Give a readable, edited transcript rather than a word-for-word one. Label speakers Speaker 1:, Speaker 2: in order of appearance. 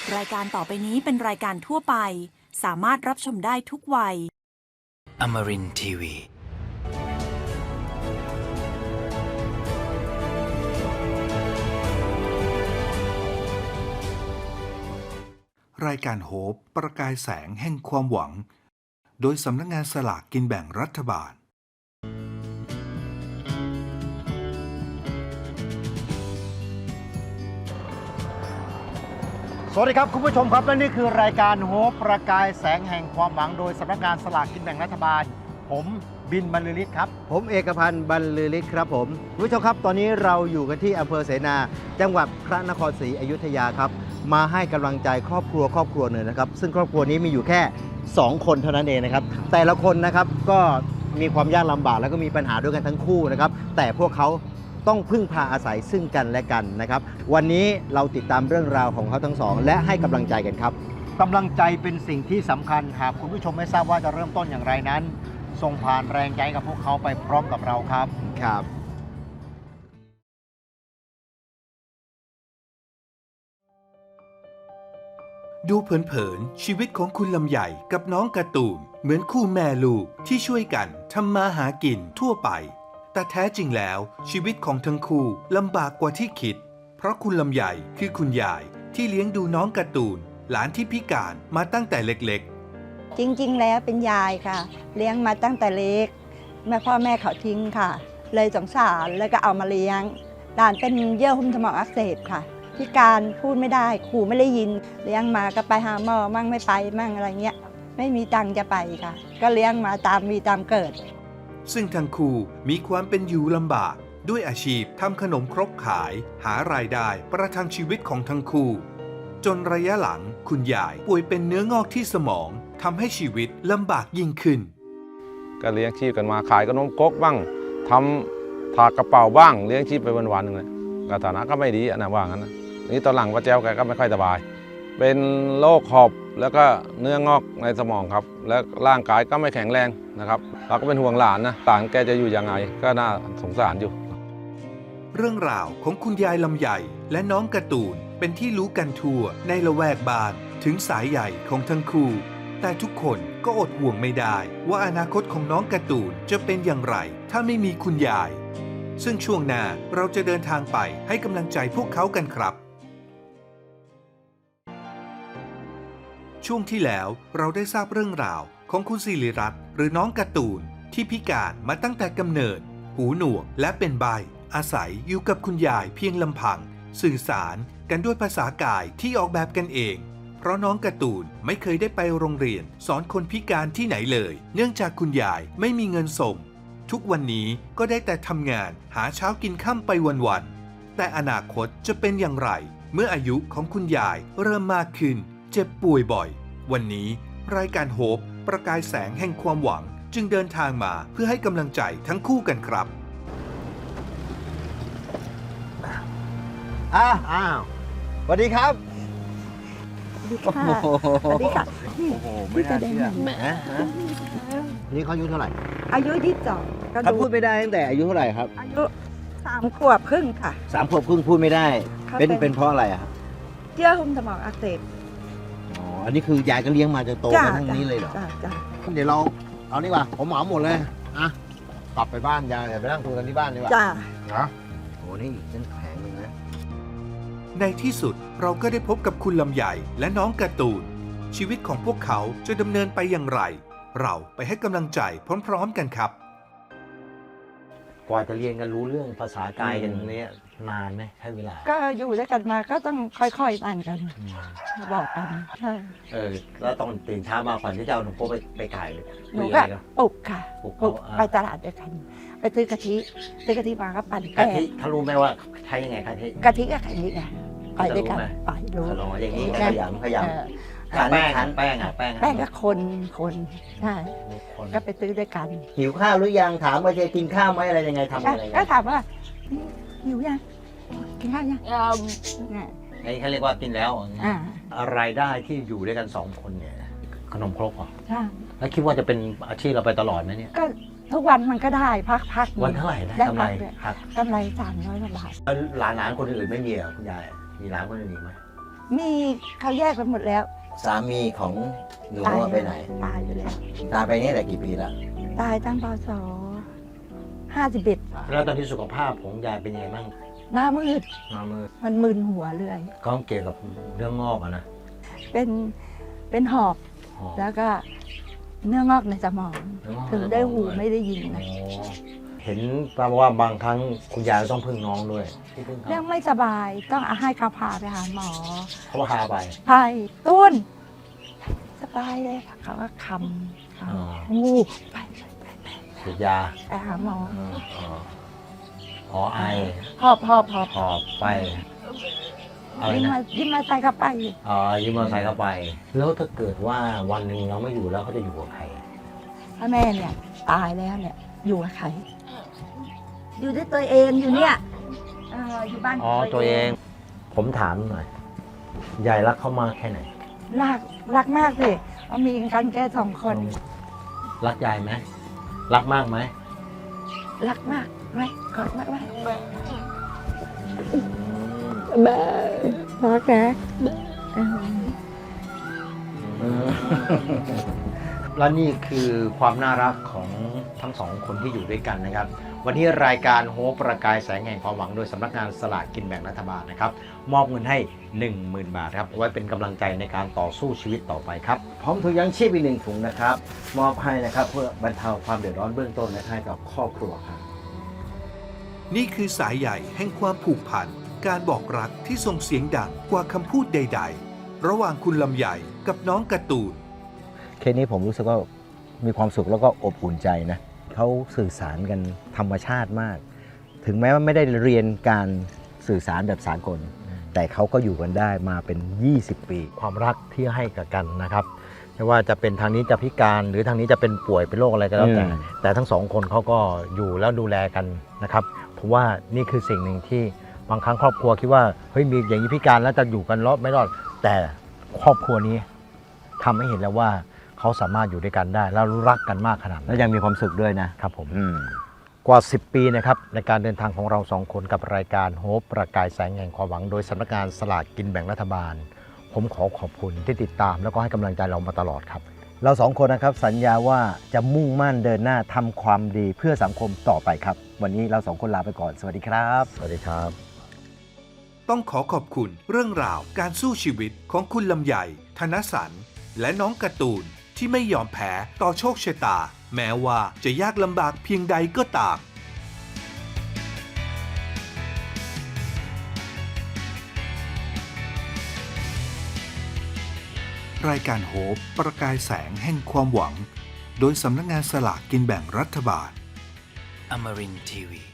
Speaker 1: รายการต่อไปนี้เป็นรายการทั่วไปสามารถรับชมได้ทุกวัย
Speaker 2: Amarin Tiwi.
Speaker 3: รายการโฮปประกายแสงแห่งความหวังโดยสำนักงานสลากกินแบ่งรัฐบาล
Speaker 4: สวัสดีครับคุณผู้ชมครับและนี่คือรายการโฮปประกายแสงแห่งความหวังโดยสำนักงานสลากกินแบ่งรัฐบาลผมบินบรรลือฤทธิ์ครับ
Speaker 5: ผมเอกพันธ์บรรลือฤทธิ์ครับผมคุณผู้ชมครับตอนนี้เราอยู่กันที่อำเภอเสนาจังหวัดพระนครศรีอยุธยาครับมาให้กำลังใจครอบครัวหนึ่งนะครับซึ่งครอบครัวนี้มีอยู่แค่2คนเท่านั้นเองนะครับแต่ละคนนะครับก็มีความยากลำบากแล้วก็มีปัญหาด้วยกันทั้งคู่นะครับแต่พวกเขาต้องพึ่งพาอาศัยซึ่งกันและกันนะครับวันนี้เราติดตามเรื่องราวของเขาทั้งสองและให้กำลังใจกันครับ
Speaker 4: กำลังใจเป็นสิ่งที่สำคัญหากคุณผู้ชมไม่ทราบว่าจะเริ่มต้นอย่างไรนั้นส่งผ่านแรงใจกับพวกเขาไปพร้อมกับเราครับ
Speaker 5: ครับ
Speaker 3: ดูเผินๆชีวิตของคุณลำใหญ่กับน้องการ์ตูนเหมือนคู่แม่ลูกที่ช่วยกันทำมาหากินทั่วไปแต่แท้จริงแล้วชีวิตของทั้งคู่ลำบากกว่าที่คิดเพราะคุณลำใหญ่คือคุณยายที่เลี้ยงดูน้องการ์ตูนหลานที่พิการมาตั้งแต่เล็ก
Speaker 6: ๆจริงๆแล้วเป็นยายค่ะเลี้ยงมาตั้งแต่เล็กพ่อแม่เขาทิ้งค่ะเลยสงสารแล้วก็เอามาเลี้ยงหลานเป็นเยื่อหุ้มสมองอักเสบค่ะพิการพูดไม่ได้ขู่ไม่ได้ยินเลี้ยงมาก็ไปหาหมอมั่งไม่ไปมั่งอะไรเงี้ยไม่มีตังค์จะไปค่ะก็เลี้ยงมาตามมีตามเกิด
Speaker 3: ซึ่งทั้งคู่มีความเป็นอยู่ลำบากด้วยอาชีพทำขนมครกขายหารายได้ประทังชีวิตของทั้งคู่จนระยะหลังคุณยายป่วยเป็นเนื้องอกที่สมองทำให้ชีวิตลำบากยิ่งขึ้น
Speaker 7: ก็เลี้ยงชีพกันมาขายขนมครกบ้างทำถากกระเป๋าบ้างเลี้ยงชีพไปวันๆนึงเลยก็ฐานะก็ไม่ดีนะว่างั้นนะนี่ตอนหลังป้าแจ้วแกก็ไม่ค่อยสบายเป็นโรคหอบแล้วก็เนื้องอกในสมองครับและร่างกายก็ไม่แข็งแรงนะครับเราก็เป็นห่วงหลานนะหลานแกจะอยู่ยังไงก็น่าสงสารอยู่
Speaker 3: เรื่องราวของคุณยายลำใหญ่และน้องการ์ตูนเป็นที่รู้กันทั่วในละแวกบ้านถึงสายใหญ่ของทั้งคู่แต่ทุกคนก็อดห่วงไม่ได้ว่าอนาคตของน้องการ์ตูนจะเป็นอย่างไรถ้าไม่มีคุณยายซึ่งช่วงหน้าเราจะเดินทางไปให้กำลังใจพวกเขากันครับช่วงที่แล้วเราได้ทราบเรื่องราวของคุณศิริรัตน์หรือน้องการ์ตูนที่พิการมาตั้งแต่กำเนิดหูหนวกและเป็นใบ้อาศัยอยู่กับคุณยายเพียงลำพังสื่อสารกันด้วยภาษากายที่ออกแบบกันเองเพราะน้องการ์ตูนไม่เคยได้ไปโรงเรียนสอนคนพิการที่ไหนเลยเนื่องจากคุณยายไม่มีเงินส่งทุกวันนี้ก็ได้แต่ทำงานหาเช้ากินค่ำไปวันๆแต่อนาคตจะเป็นอย่างไรเมื่ออายุของคุณยายเริ่มมากขึ้นเจ็บป่วยบ่อยวันนี้รายการโฮปประกายแสงแห่งความหวังจึงเดินทางมาเพื่อให้กำลังใจทั้งคู่กันครับ
Speaker 5: อ้าวสวัสดีครับ
Speaker 6: สวัสดีค่ะสวัสดีค่ะ
Speaker 5: โอ้โหไม่น่าเชื่อนี่เขาอายุเท่าไหร่
Speaker 6: อายุ22
Speaker 5: เขาพูดไม่ได้ตั้งแต่อายุเท่าไหร่ครับ
Speaker 6: อายุ3 ขวบครึ่งค่ะ
Speaker 5: 3 ขวบครึ่งพูดไม่ได้เป็นเพราะอะไรครับ
Speaker 6: เยื่อหุ้มสมองอักเสบ
Speaker 5: อันนี้คือยายก็เลี้ยงมาจนโตมาทั้งนี้เลยเหรอ
Speaker 6: จ้ะ
Speaker 5: เดี๋ยวเราเอานี่ว่าผมเหมาหมดเลยอ่ะกลับไปบ้านยายไปนั่งคุยกันที่บ้านดีกว่า
Speaker 6: จ้ะ
Speaker 5: นะโอ้นี่เป็นแผงนึงนะ
Speaker 3: ในที่สุดเราก็ได้พบกับคุณลำใหญ่และน้องการ์ตูนชีวิตของพวกเขาจะดำเนินไปอย่างไรเราไปให้กำลังใจพร้อมๆกันครับ
Speaker 5: กว่าจะเรียนกันรู้เรื่องภาษากายกันนี้นานไหมใช้เวลา
Speaker 6: ก็อยู่ด้วยกันมาก็ต้องค่อยๆอ่านกันบอกกันใช่
Speaker 5: แล้วตอนตื่นเช้ามาก่อนที่จะเอาหนูโป๊ไปขาย
Speaker 6: หนูก็ปลุกค่ะปลุกไปตลาดด้วยกันไปซื้อกะทิมาก็ปั่นแป้ง
Speaker 5: เขารู้ไหมว่าใช้ยังไงกะทิ
Speaker 6: กับไข่นี่ไงไปด้วยกันไปรู้
Speaker 5: อย่างนี้ขยำแป้ง
Speaker 6: ก็คนใช่ก็ไปซื้อด้วยกัน
Speaker 5: หิวข้าวหรือยังถามว่าจะกินข้าวไหมอะไรยังไงทำอะไร
Speaker 6: ก็ถามว่าหิวยังกินข้าวยัง
Speaker 5: นี่เขาเรียกว่ากินแล้วรายได้ที่อยู่ด้วยกัน2 คนเนี่ยขนมครกเหรอ
Speaker 6: ใช่
Speaker 5: แล้วคิดว่าจะเป็นอาชีพเราไปตลอดไหมเนี่ย
Speaker 6: ก็ทุกวันมันก็ได้พัก
Speaker 5: วันเท่าไหร่ได้กำไร
Speaker 6: 300 กว่าบาท
Speaker 5: หลานคนอื่นไม่มีเหรอคุณยายมีหลานคนอื่นอีกไหม
Speaker 6: มีเขาแยกกันหมดแล้ว
Speaker 5: สามีของหนู
Speaker 6: ตาย
Speaker 5: ไปไหน
Speaker 6: ตายอยู่แล้ว
Speaker 5: ตายไปนี่แต่กี่ปีแล้ว
Speaker 6: ตายตั้งพศ51
Speaker 4: แล้วตอนนี้สุขภาพของยายเป็นยังไงบ้าง
Speaker 6: หน้ามืด
Speaker 4: มามือ
Speaker 6: มันมึนหัวเลย
Speaker 4: ก็เกี่ยวกับเรื่องงอกอะนะ
Speaker 6: เป็นหอบ
Speaker 4: อ๋อ
Speaker 6: แล้วก็เนื้องอกในสมอง
Speaker 4: เนื้องอกในสมอง
Speaker 6: ถึงได้หูไม่ได้ยินนะ
Speaker 4: เห็นแปลว่าบางครั้งคุณยายต้องพึ่งน้องด้วยที่พึ่งเขา
Speaker 6: เรื่องไม่สบายต้องเอาให้เขาพาไปหาหมอ
Speaker 4: เขาพาไป
Speaker 6: ไปตุ้นสบายเลยเขาก็คำ
Speaker 4: อ๋อ
Speaker 6: งูไป
Speaker 4: ฉีดยา
Speaker 6: ไปหาหมอ
Speaker 4: อ๋อไอ
Speaker 6: หอบ
Speaker 4: หอบไปอะไร
Speaker 6: ยิ้ม
Speaker 4: นะ
Speaker 6: มายิ้มมาใส่เข้าไป
Speaker 4: อ๋อยืมมอเตอร์ไซค์เข้าไป แล้วถ้าเกิดว่าวันหนึ่งเราไม่อยู่แล้วเขาจะอยู่กับใคร
Speaker 6: ถ้าแม่เนี่ยตายแล้วเนี่ยอยู่กับใคร อยู่ด้วยตัวเองอยู่เนี่ยอยู่บ้าน
Speaker 4: อ๋อตัวเอง ผมถามหน่อยยายรักเขามากแค่ไหน
Speaker 6: รักมากสิเพราะมีกันแค่2 คน
Speaker 4: รักยายไหมรักมากไหม
Speaker 6: รักมากไหมกอดมากไหมรักนะเออ
Speaker 4: และนี่คือความน่ารักของทั้งสองคนที่อยู่ด้วยกันนะครับ วันนี้รายการโฮปประกายแสงแห่งความหวังโดยสำนักงานสลากกินแบ่งรัฐบาลนะครับ มอบเงินให้ 10,000 บาทครับไว้เป็นกำลังใจในการต่อสู้ชีวิตต่อไปครับ
Speaker 5: พร้อมถุงยางชีพอีก1 ถุงนะครับ มอบให้นะครับเพื่อบรรเทาความเดือดร้อนเบื้องต้นและให้กับครอบครัวครับ
Speaker 3: นี่คือสายใหญ่แห่งความผูกพัน การบอกรักที่ส่งเสียงดังกว่าคำพูดใด ๆ ระหว่างคุณลำใหญ่กับน้องการ์ตูน
Speaker 5: เคสนี้ผมรู้สึกว่ามีความสุขแล้วก็อบอุ่นใจนะเขาสื่อสารกันธรรมชาติมาก ถึงแม้ว่าไม่ได้เรียนการสื่อสารแบบสากล แต่เขาก็อยู่กันได้มาเป็น 20 ปี
Speaker 4: ความรักที่ให้กับกันนะครับไม่ว่าจะเป็นทางนี้จะพิการหรือทางนี้จะเป็นป่วยเป็นโรคอะไรก็แล้วแต่ทั้งสองคนเขาก็อยู่แล้วดูแลกันนะครับผมว่านี่คือสิ่งหนึ่งที่บางครั้งครอบครัวคิดว่าเฮ้ยมีอย่างนี้พิการแล้วจะอยู่กันรอดไม่รอด แต่ครอบครัวนี้ทำให้เห็นแล้วว่าเขาสามารถอยู่ด้วยกันได้ แล้วรักกันมากขนาดนั้น
Speaker 5: แล้วยังมีความสุขด้วยนะครับ
Speaker 4: ผมกว่า 10 ปีนะครับในการเดินทางของเราสองคนกับรายการโฮปประกายแสงแห่งความหวังโดยสำนักงานสลากกินแบ่งรัฐบาล ผมขอขอบคุณที่ติดตามแล้วก็ให้กำลังใจเรามาตลอดครับ
Speaker 5: เราสองคนนะครับสัญญาว่าจะมุ่งมั่นเดินหน้าทำความดีเพื่อสังคมต่อไปครับ วันนี้เราสองคนลาไปก่อนสวัสดีครับ
Speaker 4: สวัสดีครับ
Speaker 3: ต้องขอขอบคุณเรื่องราวการสู้ชีวิตของคุณลำใหญ่ ธนสันและน้องการ์ตูนที่ไม่ยอมแพ้ต่อโชคชะตา แม้ว่าจะยากลำบากเพียงใดก็ตาม รายการโฮปประกายแสงแห่งความหวัง โดยสำนักงานสลากกินแบ่งรัฐบาล
Speaker 2: Amarin Tiwi.